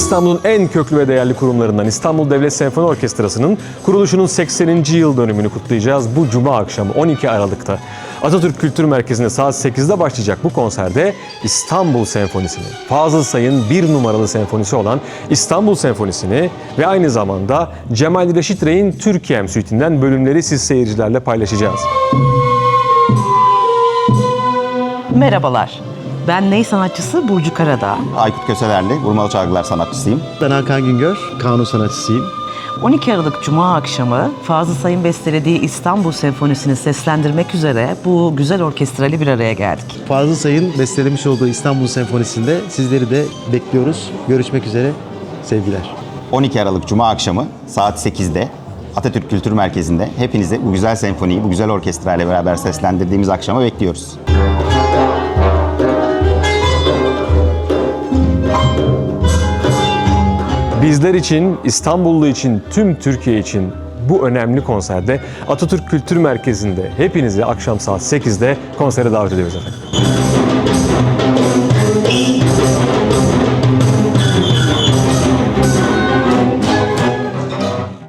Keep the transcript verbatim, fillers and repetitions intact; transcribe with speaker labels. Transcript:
Speaker 1: İstanbul'un en köklü ve değerli kurumlarından İstanbul Devlet Senfoni Orkestrası'nın kuruluşunun sekseninci yıl dönümünü kutlayacağız bu Cuma akşamı on iki Aralık'ta. Atatürk Kültür Merkezi'nde saat sekizde başlayacak bu konserde İstanbul Senfonisi'ni, Fazıl Say'ın bir numaralı senfonisi olan İstanbul Senfonisi'ni ve aynı zamanda Cemal Reşit Rey'in Türkiye'm Suite'inden bölümleri siz seyircilerle paylaşacağız.
Speaker 2: Merhabalar, ben ney sanatçısı Burcu Karadağ.
Speaker 3: Aykut Köselerli, vurmalı çalgılar sanatçısıyım.
Speaker 4: Ben Hakan Güngör, kanun sanatçısıyım.
Speaker 2: on iki Aralık Cuma akşamı Fazıl Say'ın bestelediği İstanbul Senfonisi'ni seslendirmek üzere bu güzel orkestrayla bir araya geldik.
Speaker 4: Fazıl Say'ın bestelemiş olduğu İstanbul Senfonisi'nde sizleri de bekliyoruz. Görüşmek üzere, sevgiler.
Speaker 3: on iki Aralık Cuma akşamı saat sekizde Atatürk Kültür Merkezi'nde hepinizi bu güzel senfoniyi, bu güzel orkestrayla beraber seslendirdiğimiz akşama bekliyoruz.
Speaker 1: Bizler için, İstanbullu için, tüm Türkiye için bu önemli konserde Atatürk Kültür Merkezi'nde hepinizi akşam saat sekizde konsere davet ediyoruz efendim.